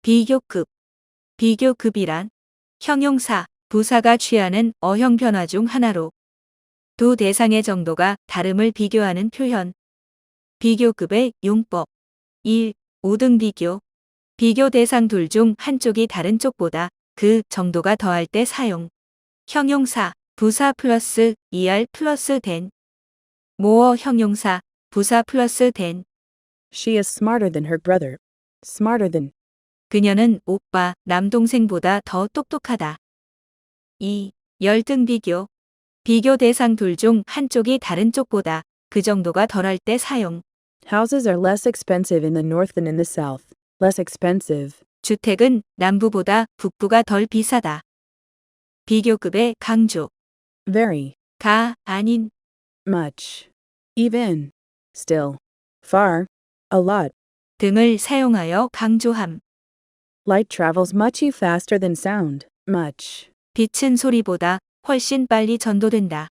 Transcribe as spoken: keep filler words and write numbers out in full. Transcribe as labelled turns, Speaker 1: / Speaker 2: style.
Speaker 1: 비교급. 비교급이란 형용사, 부사가 취하는 어형 변화 중 하나로 두 대상의 정도가 다름을 비교하는 표현. 비교급의 용법. 일. 오등 비교. 비교 대상 둘 중 한쪽이 다른 쪽보다 그 정도가 더할 때 사용. 형용사, 부사 플러스 er 플러스 된. 모어 형용사, 부사 플러스 된.
Speaker 2: She is smarter than her brother. Smarter than.
Speaker 1: 그녀는 오빠, 남동생보다 더 똑똑하다. 이. 열등 비교. 비교 대상 둘 중 한쪽이 다른 쪽보다 그 정도가 덜할 때 사용.
Speaker 2: Houses are less expensive in the north than in the south. Less expensive.
Speaker 1: 주택은 남부보다 북부가 덜 비싸다. 비교급의 강조.
Speaker 2: Very.
Speaker 1: 가, 아닌.
Speaker 2: Much. Even. Still. Far. A lot.
Speaker 1: 등을 사용하여 강조함.
Speaker 2: Light travels much faster than sound. Much.
Speaker 1: 빛은 소리보다 훨씬 빨리 전도된다.